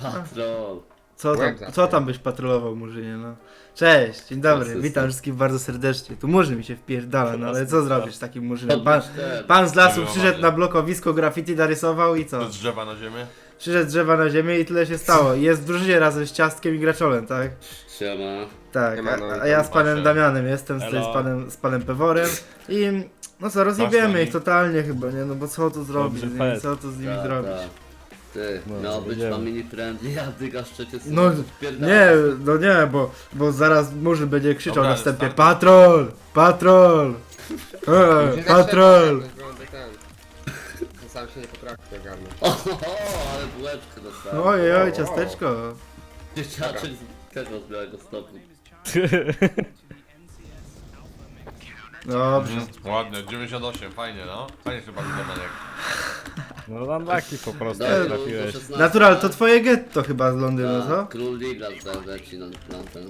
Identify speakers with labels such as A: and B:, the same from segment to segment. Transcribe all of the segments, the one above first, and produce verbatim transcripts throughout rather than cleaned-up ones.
A: Patrol.
B: Co tam, co tam byś patrolował, Murzynie, no? Cześć, dzień dobry,
A: Asystent.
B: witam wszystkich bardzo serdecznie. Tu Murzyn mi się wpierdala, no ale co zrobisz z takim Murzynem? Pan,
A: Podnieś ten.
B: pan z lasu
C: Zrobił
B: przyszedł
C: ładnie.
B: na blokowisko, graffiti narysował i co?
C: Z drzewa na ziemię?
B: Przyszedł z drzewa na ziemię i tyle się stało. I jest w drużynie razem z Ciastkiem i Graczolem, tak?
A: Siema.
B: Tak,
D: Siema, no
B: a,
D: i
B: a ja
D: tam
B: z panem
C: Basia.
B: Damianem jestem, tutaj z
E: Elo.
B: panem, z panem Peworem i no co, rozjebiemy
C: Masz
B: ich totalnie chyba, nie? No bo co tu zrobić z
E: Dobrze,
B: nimi,
E: fest.
B: co tu z nimi
A: Ta,
B: zrobić?
A: ta. Ty,
E: No,
A: miał być
E: jedziemy.
A: tam mini friendly, a ty gaszczecie sobie.
B: No
A: wpierdalasz.
B: nie, no nie, bo, bo zaraz Murzyn będzie krzyczał
C: Dobra,
B: na wstępie
C: start.
B: patrol, patrol, e, patrol.
D: Sam się nie potrafię ogarnąć.
A: Oho, ale bułeczkę dostałem.
B: Ojej, oj, ciasteczko.
A: Dzieciaczek z tego z białego stopu.
B: Dobrze.
C: Mhm. Ładnie, dziewięćdziesiąt osiem, fajnie no. Fajnie się bawi Domeniek.
E: No unlucky po prostu
A: Dobra,
E: jak
A: do- do
E: trafiłeś.
A: szesnastego.
B: Natural, to twoje getto chyba z Londynu,
A: Tak,
B: co?
A: Król Liga tutaj leci na, na ten.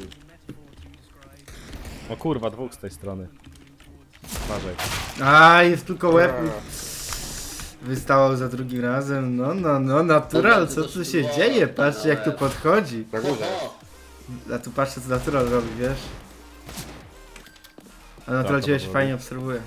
E: O kurwa, dwóch z tej strony. Uważaj.
B: A, jest tylko łeb. Wystawał za drugim razem, no, no, no, natural, co tu się dzieje? Patrzcie jak tu podchodzi.
D: Na górze.
A: Oho,
B: A tu patrzcie co natural robi, wiesz? A natural
E: to
B: ciebie się
E: robi.
B: fajnie obserwuje.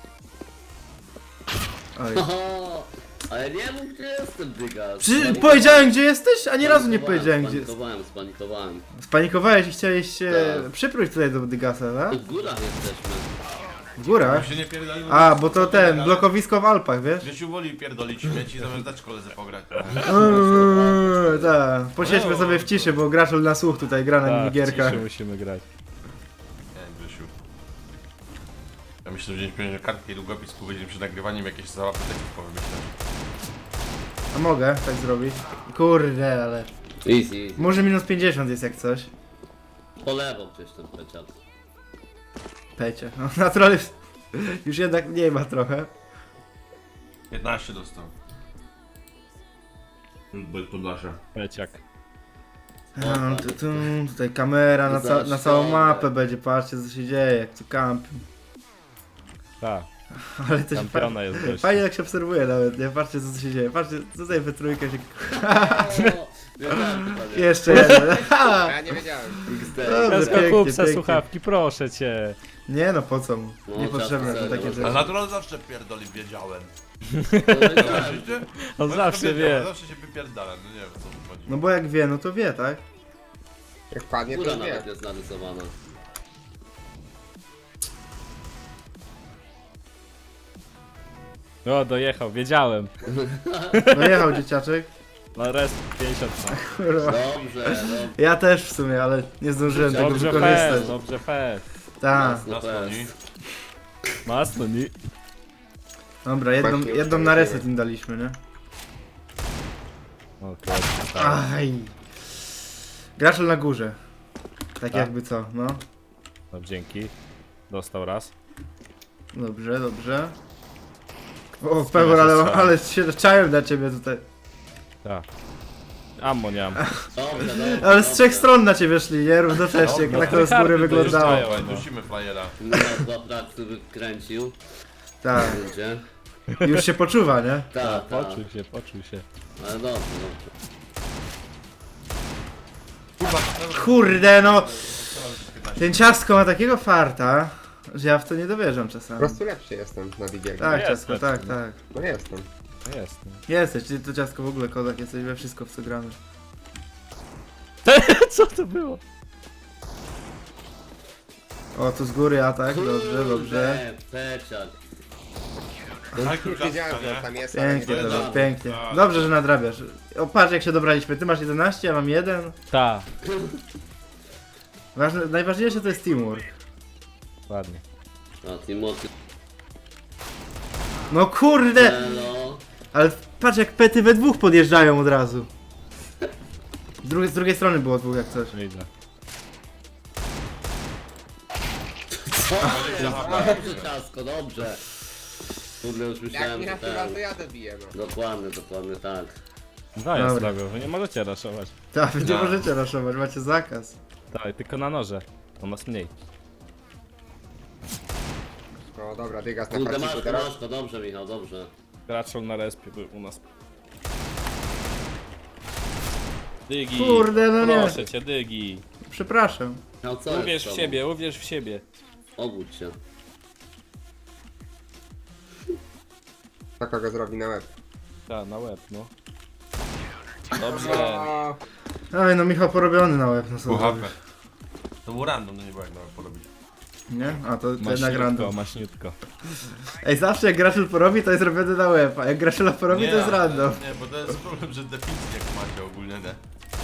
B: Oj.
A: oho. Ale nie mów gdzie jestem, dyga.
B: Czy powiedziałem gdzie jesteś? Ani razu nie powiedziałem gdzie jest.
A: Spanikowałem, spanikowałem.
B: Spanikowałeś i chciałeś się
A: Tak.
B: przypróć tutaj do Dygasa,
A: Tu
B: tak?
A: w górach jesteśmy.
B: W górach?
C: My się nie pierdolimy.
B: A, bo to ten, blokowisko w Alpach, wiesz?
C: Gdzieś woli pierdolić śmieci, zamiast dać koledze pograć.
B: Eee, tak, posiedźmy sobie w ciszy, bo Graczol na słuch tutaj gra na
E: Tak,
B: minigierkach.
E: ciszy musimy grać.
C: Nie, Grzesiu. Ja myślę, że wziąć pieniądze kartkę i długopis, powiedzieć przed nagrywaniem jakieś załapy tekstów powymyśleć.
B: A mogę tak zrobić? Kurde, ale...
A: Easy, easy.
B: Może minus pięćdziesiąt jest jak coś.
A: Po lewo gdzieś ten peciak.
B: Pecie. No, natural jest... Już jednak mniej ma trochę.
C: piętnaście dostał. Bez Podlasia.
E: Peciak.
B: A, tu, tu, tutaj kamera na, ca na całą mapę będzie, patrzcie co się dzieje, jak tu kamp.
E: Tak,
B: Ale to się fajnie,
E: kampiona jest gość.
B: fajnie jak się obserwuje nawet, nie? Patrzcie co się dzieje, patrzcie, tutaj we trójkę się...
A: O, wiedziałem, to nie.
B: Jeszcze jeden.
D: Ja nie wiedziałem.
A: X
B: Dobra.
A: D.
E: Kasko,
B: pięknie,
E: kup se
B: pięknie.
E: słuchawki, proszę cię.
B: Nie no, po co mu?
A: No,
B: Niepotrzebne to
A: czasem
B: takie
A: serio.
C: A
B: rzeczy.
C: natural zawsze pierdoli, wiedziałem. Widzicie?
E: On zawsze
C: Wiedziałem,
E: wie.
C: Zawsze się wypierdala, no nie wiem o co tu chodzi.
B: No bo jak wie, no to wie, tak?
D: Jak padnie,
A: Góra
D: to wie.
A: nawet jest narysowana.
E: O, dojechał, wiedziałem.
B: No jechał dzieciaczek.
E: No rest pięćdziesiąt. No.
B: Kurwa.
A: Dobrze, no.
B: Ja też w sumie, ale nie zdążyłem tego
E: Dobrze
B: wykorzystać.
E: fest, dobrze fest.
B: Tak.
A: No
C: Na słoni.
E: Masno, nie?
B: Dobra, jedną,
D: Właśnie
B: jedną na reset im daliśmy, nie?
E: O, kurde, tak.
B: Aj. Graczel na górze. Tak
E: Tak.
B: jakby co, no.
E: No dzięki. Dostał raz.
B: Dobrze, dobrze. O, Pewor, ale, ale się czałem na ciebie tutaj.
E: Tak. Ammo nie mam.
A: Dobrze, dobrze.
B: Ale z
A: dobrze.
B: trzech stron na ciebie szli, nie? Równocześnie,
C: No,
B: jak tak to z góry
E: to
B: wyglądało.
E: już
C: Dawaj, dusimy flyera.
A: No, dwa prakty wykręcił.
B: Tak,
A: Będzie.
B: już się poczuwa, nie?
A: Tak, tak.
E: Poczuł się, poczuł się.
A: Ale dobrze, dobrze.
C: Kurwa,
B: Kurde, no. Ten ciastko ma takiego farta, że ja w to nie dowierzam
D: Po
B: czasami.
D: prostu lepszy jestem na bigierki.
B: Tak,
E: jest
B: ciastko,
E: lepszy,
B: tak,
E: no.
B: tak.
D: No jestem.
E: No jest. No.
B: Jesteś, ty to ciastko w ogóle kozak, jesteś we wszystko w co gramy.
E: Co to było?
B: O, tu z góry atak, dobrze, dobrze.
A: Kurde, peciak.
D: No,
C: Tak,
D: już wiedziałem,
C: ciastka,
D: że
C: nie?
D: tam jest, ale nie
B: Pięknie,
D: wiedziałem.
B: dobra, pięknie.
C: Tak.
B: Dobrze, że nadrabiasz. O, patrz jak się dobraliśmy, ty masz jedenaście, ja mam jeden.
E: Ta.
B: Ważne, najważniejsze to jest teamwork.
E: Ładnie.
A: A Timothy.
B: No kurde!
A: Hello.
B: Ale patrz jak pety we dwóch podjeżdżają od razu. Z drugiej, z drugiej strony było dwóch jak coś.
E: Widzę.
A: Co? Dobrze, ciasko, dobrze. Kurde, już
D: Jak
A: myślałem,
D: mi
A: że
D: na chwilę, to
A: ten...
D: ja dobiję, no.
A: Dokładnie, dokładnie tak.
E: Dwa ja
B: Dobra.
E: zrobił, wy nie możecie raszować.
B: Tak, wy nie
C: No.
B: możecie raszować, macie zakaz.
E: Tak, tylko na noże. To nas mniej.
D: O, dobra, dygas na
A: Kurde,
D: farciku
A: masz,
D: teraz.
A: masz to, dobrze Michał, dobrze.
E: Graczol na respie był u nas. Dygi.
B: Kurde, no nie.
E: Proszę cię, Dygi.
B: Przepraszam.
A: No co
E: Uwierz
A: jest
E: w
A: z
E: siebie, uwierz w siebie.
A: tobą? Obudź się.
D: To kogo zrobi na łeb.
E: Ta, na łeb, no. Dobrze.
D: O,
B: Oj, no Michał porobiony na łeb, no co
C: Pół H P.
B: zrobisz?
C: To był random, no nie było jak nawet porobić.
B: Nie? A to, to jednak
E: Maśniutko,
B: random.
E: maśniutko.
B: Ej, zawsze jak Graszel porobi, to jest robiony na łeb, a jak Graszela porobi, to jest random.
C: Nie, bo to jest problem, że definicji jak macie ogólnie, nie?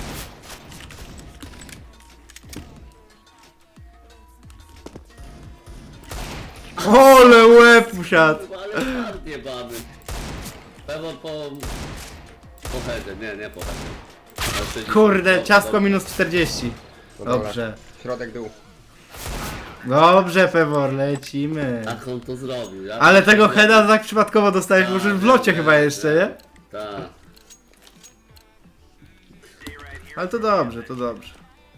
B: Ole łeb usiadł!
A: Ale ładnie mamy. Pewno po... Po headzie, nie, nie po headzie. Na sześćdziesiąt.
B: Kurde,
A: Dobra,
B: ciastko
A: dobra.
B: minus czterdzieści.
D: no dobra.
B: Dobrze.
D: Środek dół.
B: Dobrze, Pewor, lecimy.
A: Tak on to zrobił. Ja
B: Ale tego heada tak przypadkowo dostałeś
A: Tak,
B: może w locie
A: nie,
B: chyba
A: nie,
B: jeszcze,
A: nie.
B: nie?
A: Tak.
B: Ale to dobrze, to dobrze.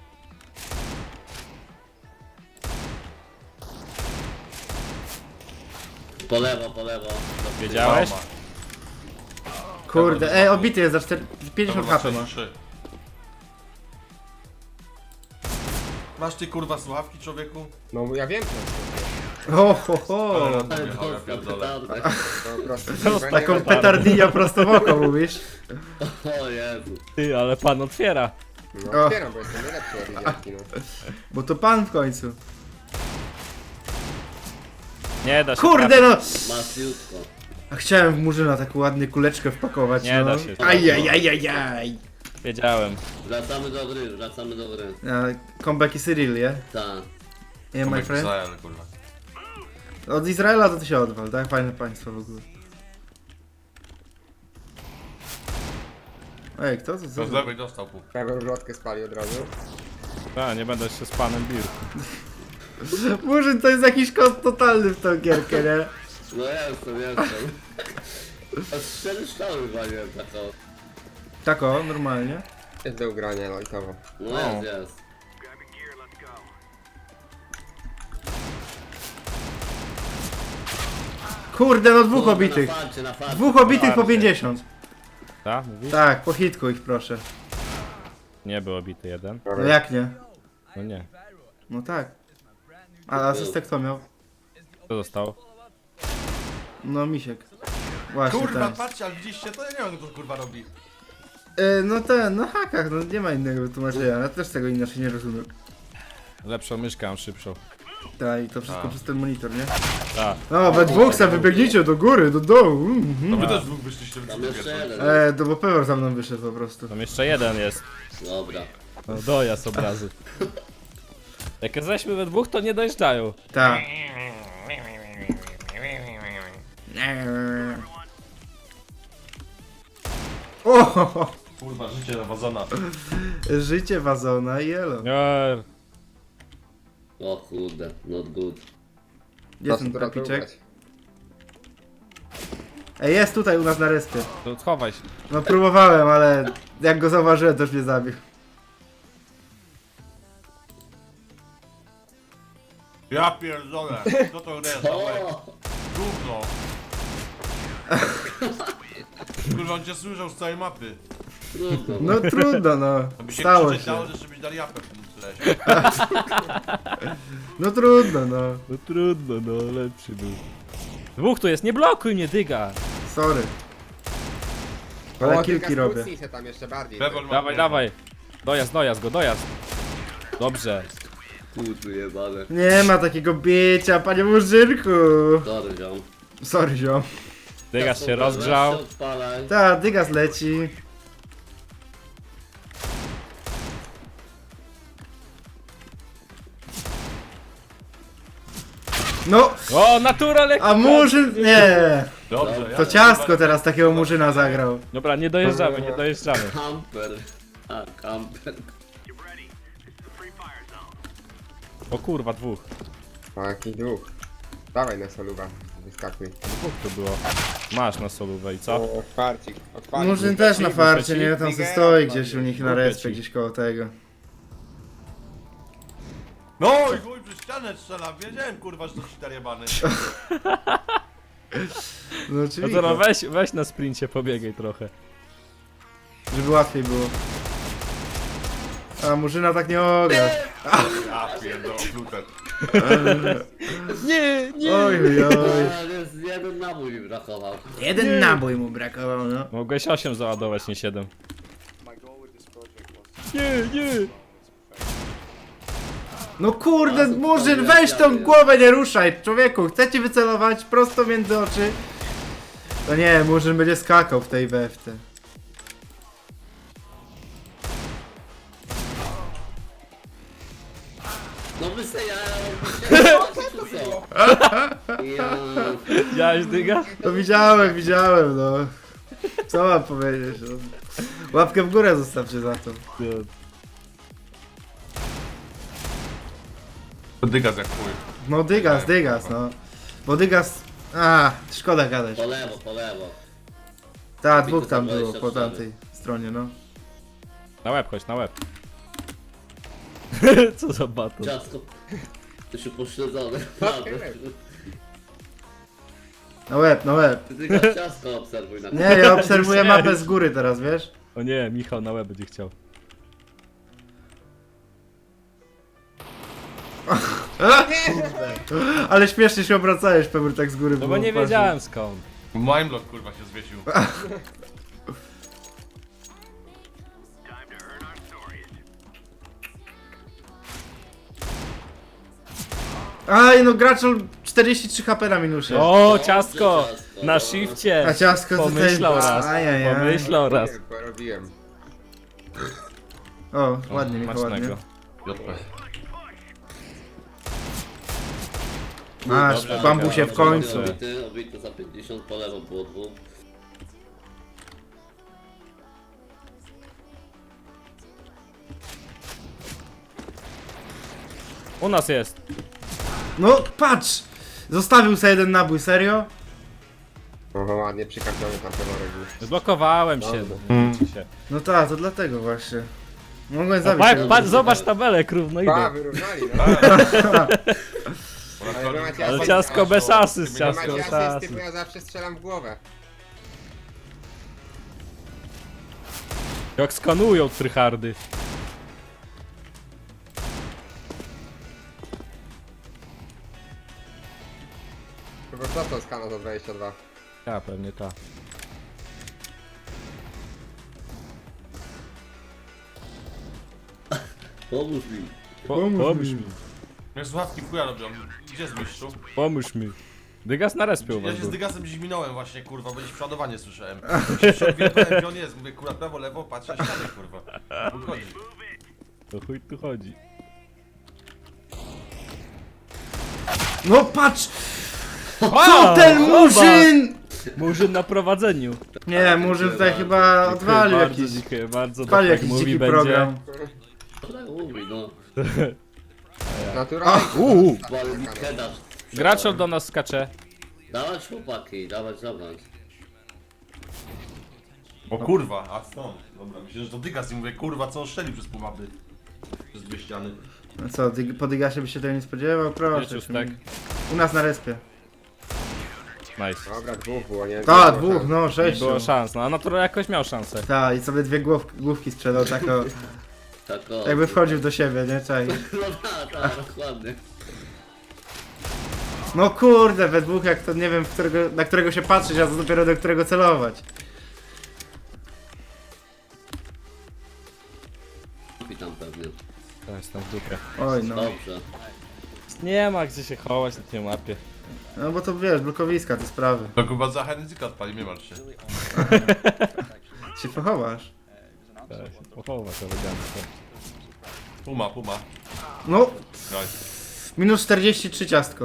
A: Po lewo, po lewo.
E: Wiedziałeś?
B: Kurde, ej, obity jest za cztery- pięćdziesiąt
C: Dobra,
B: H P ma.
C: sześćdziesiąt trzy. Masz ty kurwa słuchawki, człowieku?
D: No ja wiem,
B: O, ho, ho.
C: Ale
A: Ale
C: random jechał, ja
A: dostał
C: pierdolę.
A: petardę.
D: to po prostu.
B: Taką petardinię prosto w oko mówisz.
A: O Jezu.
E: Ty, ale pan otwiera.
D: No otwieram, bo jestem najlepszy na widzianki, no.
B: Bo to pan w końcu.
E: Nie da się.
B: Kurde no!
A: Maciutko.
B: A chciałem w Murzyna taką ładnie kuleczkę wpakować,
E: Nie
B: no.
E: da się.
B: Ajajajajaj.
E: Wiedziałem.
A: Wracamy do gry, wracamy do gry.
B: A, Comeback i Cyril, je?
A: Tak.
B: Nie, my
C: Tomek
B: friend?
C: Izrael, kurwa.
B: Od Izraela to ty się odwal, tak? Fajne państwo w ogóle. Ej, kto to?
C: To
B: Co?
C: z lewej dostał pół.
D: Prawie ulotkę spali od razu.
E: A, nie będę się z panem bił.
B: Murzyn to jest jakiś kot totalny w tą gierkę, nie?
A: No jestem, jestem. A z cztery strzały waliłem taką.
B: Tak o, normalnie.
D: Jest do ugrania lightowo.
A: No
E: O.
A: jest, jest.
B: Kurde, no dwóch
A: Kurde,
B: obitych.
A: Na farcie, na farcie.
B: Dwóch obitych po
E: Farcie.
B: pięćdziesiąt.
E: Tak, mówisz?
B: Tak, po hitku ich proszę.
E: Nie był obity jeden.
B: No jak nie?
E: No nie.
B: No tak. A asystę kto miał?
E: Co zostało?
B: No Misiek. Właśnie
C: Kurwa,
B: ten.
C: patrzcie, ale widzieliście to? Ja nie wiem, co to kurwa robi.
B: E, no ten, no hakach, no nie ma innego wytłumaczenia. Ja też tego inaczej nie rozumiem.
E: Lepszą myszkę, mam szybszą.
B: Tak, i to wszystko
C: A.
B: przez ten monitor, nie?
E: Tak.
B: No, we dwóch se wybiegnijcie do góry, do dołu.
C: No
B: Mhm.
C: wy też dwóch wyszliście w
A: Tam jeszcze jeden.
B: E, to bo Pewor za mną wyszedł po prostu.
E: Tam jeszcze jeden jest.
A: Dobra.
E: No, dojazd obrazy. Jak jesteśmy we dwóch, to nie dojeżdżają.
B: Tak. O, ho, ho.
C: Kurwa, życie nawadzona.
B: Życie wazona i elo.
E: Nie.
A: O kurde, not good.
B: Jest ten
D: Dobra,
B: trapiczek.
D: ugrać.
B: Ej, jest tutaj u nas na respie.
E: To schowaj się.
B: No próbowałem, ale jak go zauważyłem, to już mnie zabił.
C: Ja pierdolę. Co to jest?
A: O!
C: Gówno. Kurwa, on cię słyszał z całej mapy.
A: Trudno.
B: No trudno, no.
C: To by się
B: Stało
C: krzyczeć
B: się.
C: dało, że żebyś dali japę w tym tyle.
B: No trudno, no.
E: No trudno, no lepszy był. Dwóch tu jest, nie blokuj mnie, dyga.
B: Sorry. Ale
D: O,
B: kilki
D: tylko
B: robię.
D: skrócnij się tam jeszcze bardziej.
C: Pewor ma
E: Dawaj,
C: kurwa.
E: dawaj. Dojazd, dojazd go, dojazd. Dobrze.
A: Kurde jebane.
B: Nie ma takiego bicia, panie Murzynku.
A: Sorry, ziom.
B: Sorry, ziom.
E: Dygas się rozgrzał.
A: Odpalaj.
B: Ta, dygas leci. No,
E: O, natura lekko.
B: a Murzyn... Nie.
C: Dobrze, ja
B: To ciastko teraz takiego Murzyna zagrał.
E: Dobra, nie dojeżdżamy, nie dojeżdżamy.
A: Camper. A, camper.
E: O kurwa, dwóch.
D: O, jaki duch. Dawaj na soluwa. Wyskakuj.
E: Dwóch to było. Masz na solówę i co?
D: O, farcik. Otwarcie.
B: Murzyn też na farcie, nie? Tam se stoi gdzieś u nich na
E: Lubię
B: respie,
E: ci.
B: gdzieś koło tego.
C: No i chuj, przez ścianę strzela. Wiedziałem kurwa, że to cheater jebany.
B: No
E: No
B: oczywiście,
E: to no, weź, weź na sprincie, pobiegaj trochę.
B: żeby łatwiej było. A Murzyna tak nie ogra.
C: Ja pierdolę, plutet.
E: Nie, nie!
B: Oj, oj, oj.
A: A, jest jeden nabój mi brakował.
B: Jeden nabój mu brakował, no.
E: Mogłeś osiem załadować, nie siedem. Nie, nie!
B: No kurde,
A: A, to
B: Murzyn,
A: to
B: weź
A: ja
B: tą
A: wiem.
B: głowę, nie ruszaj. Człowieku, chcę ci wycelować prosto między oczy. To nie, Murzyn będzie skakał w tej we w te.
A: No wy se ja... czy co? Ja...
E: Widziałeś dyga?
B: No widziałem, widziałem, no. Co mam powiedzieć? No. Łapkę w górę zostawcie za to.
C: Dygas jak chuj.
B: No dygas, dygas, no. Bo dygas... A, szkoda gadać.
A: Po lewo, po lewo.
B: Ta, dwóch tam było po tamtej stronie, no.
E: Na łeb chodź, na łeb. Co za baton?
A: Ciasko. To się pośledzone.
D: Okej.
B: Na łeb, na łeb.
A: Ty tylko ciasko obserwuj na
B: Nie, ja obserwuję mapę z góry teraz, wiesz?
E: O nie, Michał na łeb będzie chciał.
B: Ale śmiesznie się obracałeś, Pebur, tak z góry.
E: No bo
B: było,
E: nie
B: patrz.
E: wiedziałem skąd.
C: Mindblock kurwa się zwiesił.
B: Aj, no gracz czterdzieści trzy HP na minusie.
E: O, ciastko!
A: ciastko,
E: Na
A: no.
E: shifcie!
B: A ciastko tutaj...
E: Pomyślał raz.
B: Ajajaj.
E: Pomyślał raz.
D: Porobiłem.
B: O, ładnie, Michał, ładnie.
E: Macznego.
C: J P.
B: Masz,
A: Dobra,
B: bambusie
A: dobra,
B: w końcu.
A: Obity, obity za pięćdziesiąt, po lewo było dwóch.
E: U nas jest.
B: No, patrz! Zostawił sobie jeden nabój, serio?
D: Oho, ładnie przykarpiony tam peworek już.
E: Zblokowałem się.
B: Mm.
E: Nie się.
B: No tak, to dlatego właśnie. Mogłem
E: No,
B: zabić
E: patrz,
B: tego
E: patrz,
B: gościa.
E: zobacz tabelę, równo
D: A,
E: idę.
D: wyrównali, no. Ale wy macie
E: Ale
D: asy-
E: ciastko bez asyst,
D: Wy
E: ciastko
D: macie
E: bez
D: asysty, bo
E: asyst.
D: ja zawsze strzelam w głowę.
E: Jak skanują tryhardy.
D: Chyba co to skana za dwadzieścia dwa?
E: Ja, pewnie ta.
A: Pomóż mi.
E: Po,
B: Pomóż
E: pomóż
B: mi.
E: mi.
C: Mnie słuchawki w chuja robią. Gdzie jest mistrzu?
E: Pomóż mi. Dygas na respie u
C: Ja
E: was
C: się z
E: był.
C: Dygasem dziś minąłem właśnie, kurwa, bo gdzieś przodowanie słyszałem. Ja się odwiedzałem, gdzie on jest. Mówię, kurwa, prawo, lewo, patrzę, ścianę, kurwa. Wychodzi.
E: To chuj tu chodzi.
B: No patrz!
E: A,
B: Co ten
E: zobacz!
B: Murzyn!
E: Murzyn na prowadzeniu.
B: Nie, Murzyn tutaj chyba odwalił
E: bardzo,
B: jakiś...
E: dziękuję bardzo.
B: Odwalił
E: Tak jak
B: jakiś
E: mówi
B: dziki
E: będzie.
B: program.
A: Ale mówi, no.
D: Naturalnie.
E: Uuu.
A: Bo ale mi kedasz.
E: Graczol do nas skacze.
A: Dawać chłopaki, dawać, dawać.
C: O kurwa, a stąd. Dobra, myślę, że to Dygas i mówię, kurwa, co on strzelił przez pół mapy. Przez dwie ściany.
B: No co, dy- po Dygasie by się tego nie spodziewał? Proszę.
E: Wiesz,
B: się
E: tak.
B: mi- U nas na respie.
E: Nice.
D: Dobra, dwóch było, nie?
B: Ta,
D: Nie było
B: dwóch,
D: szans.
B: no,
E: Nie
B: sześciu.
E: było szans, no a Natura jakoś miał szansę.
B: Ta, i sobie dwie głów, główki sprzedał, tak o,
A: Tak o.
B: jakby wchodził do siebie, nie? Czaj.
A: No tak, tak, dokładnie.
B: No kurde, we dwóch jak to nie wiem, w którego, na którego się patrzeć, a to dopiero do którego celować.
A: Witam pewnie.
E: To jestem w dupie.
B: Oj no.
A: Dobrze.
E: Nie ma gdzie się chować na tej mapie.
B: No bo to wiesz, blokowiska, te sprawy.
C: To chyba za Henryka odpali, nie martw się.
B: Się pochowasz.
E: Tak, się pochować elegancko.
C: Puma, puma.
B: No,
C: Nice.
B: minus czterdzieści trzy ciastko.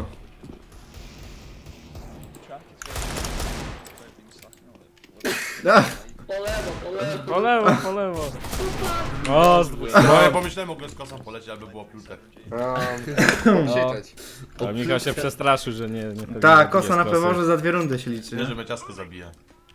B: Ach,
A: Po lewo, po lewo.
E: Po lewo, po lewo. O, z dwóch
C: No
E: stron.
C: ja pomyślałem, mogłem z kosą polecieć, aby było piłtek.
D: No, krzyczeć.
E: A Michał się przestraszył, że nie... nie
B: ta,
E: nie
B: kosa na
E: jest kosy.
B: peworze za dwie rundy się liczy.
C: Nie,
B: Nie?
C: że mnie ciasko zabija.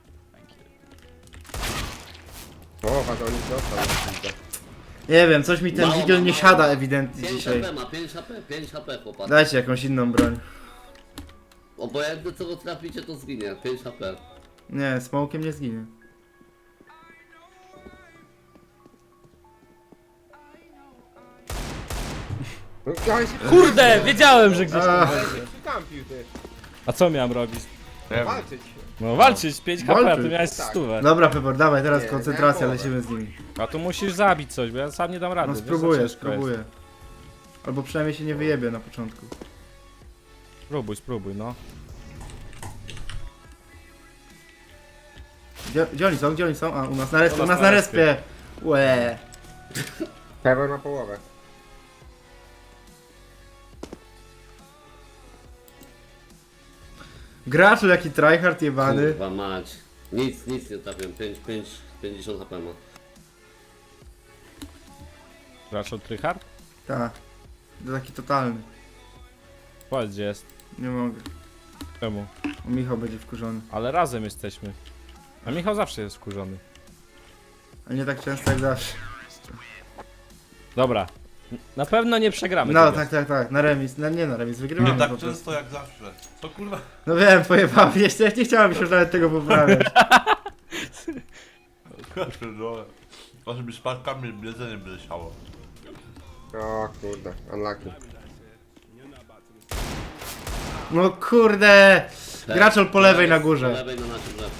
D: O, wagonik dostał.
B: nie wiem, coś mi ten
A: Mało,
B: wigil nie
A: mało.
B: siada ewidentnie
A: pięć
B: dzisiaj.
A: HP ma, pięć HP, pięć HP chłopak.
B: Dajcie jakąś inną broń.
A: Obojętnie co go traficie to zginie, pięć HP.
B: Nie, smokiem nie zginie.
D: No, ale się
E: Kurde, wiedziałem, że gdzieś tam
B: A.
E: będzie.
D: się przykampił, ty.
E: A co miałem robić?
C: Nie wiem.
D: Walczyć.
E: No walczyć, pięć H P, a ty
B: Walczyć.
E: miałeś
D: Tak.
E: stówę.
B: Dobra, Pepor, dawaj, teraz
D: Nie,
B: koncentracja,
D: miałem połowę.
B: lecimy z nimi.
E: A tu musisz zabić coś, bo ja sam nie dam rady.
B: No
E: wiesz, za
B: spróbuję,
E: ciężko jest.
B: spróbuję. Albo przynajmniej się nie wyjebie na początku.
E: Spróbuj, spróbuj, no.
B: Gdzie, gdzie oni są? Gdzie oni są? A, u nas na respie,
E: U
B: u
E: nas
B: nas
E: na
B: na respie! Łe.
D: Pewor ma połowę.
B: Gracz jaki tryhard jebany.
A: Kurwa mać. Nic, nic nie trafiłem. pięć, pięć, pięćdziesiąt H P ma.
E: Grasz od Tryhard?
B: Tak. To taki totalny.
E: Powiedz, gdzie jest.
B: Nie mogę.
E: Czemu?
B: O, Michał będzie wkurzony.
E: Ale razem jesteśmy. A Michał zawsze jest wkurzony.
B: A nie tak często jak zawsze.
E: Dobra. N- Na pewno nie przegramy
B: No
E: tego.
B: tak, tak, tak. Na remis. No, nie na remis, wygrywamy
C: Nie tak
B: po prostu.
C: często jak zawsze. Co kurwa?
B: No wiem, pojebałem. Jeszcze nie chciałem się już nawet tego poprawiać.
C: Ja pierdolę. A żeby spadkami jedzenie by leciało.
D: O kurde, unlucky.
B: No kurde!
A: Tak.
B: Graczol po lewej na
A: Po
B: górze.
A: lewej na naszym drzewku.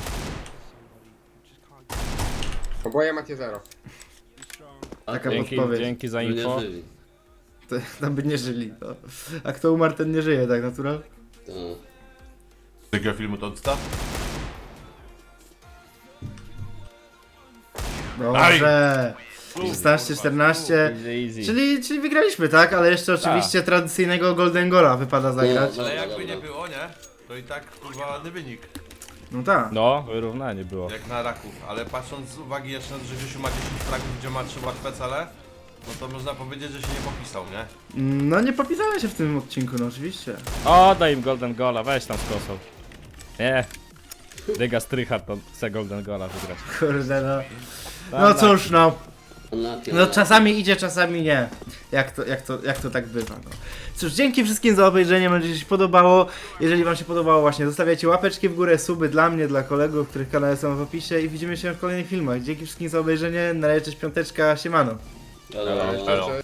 D: Oboje macie zero.
A: A
B: Taka
A: to
E: Dzięki,
B: podpowiedź.
E: dzięki za
A: by nie
E: info.
A: żyli.
B: To, tam by nie żyli. To. A kto umarł, ten nie żyje, tak natural?
A: To.
C: Jakiego filmu to odstaw?
B: Dobrze. szesnaście czternaście.
E: Easy, easy.
B: Czyli, czyli wygraliśmy, tak? Ale jeszcze oczywiście tradycyjnego Golden Gola wypada zagrać.
A: No,
C: Ale
A: dobra,
C: jakby nie
A: dobra.
C: było, nie? To i tak kurwa ładny wynik.
B: No tak.
E: No, wyrównanie było.
C: Jak na raków. Ale patrząc z uwagi jeszcze, że Grzesiu ma dziesięć fragów, gdzie ma trzy łatwe cele, no to można powiedzieć, że się nie popisał, nie?
B: No nie popisałem się w tym odcinku, no oczywiście.
E: O, daj im Golden Gola, weź tam z kosą. Nie. Dyga Strychard to chce Golden Gola wygrać.
B: Kurde no. No cóż no.
A: Unlucky,
B: No
A: unlucky.
B: czasami idzie, czasami nie. Jak to, jak to, jak to tak bywa, no. Cóż, dzięki wszystkim za obejrzenie, mam nadzieję, że się podobało. Jeżeli wam się podobało, właśnie zostawiajcie łapeczki w górę, suby dla mnie, dla kolegów, których kanały są w opisie i widzimy się w kolejnych filmach. Dzięki wszystkim za obejrzenie, na razie, cześć, piąteczka, siemano.
A: Dobra.
C: Elo.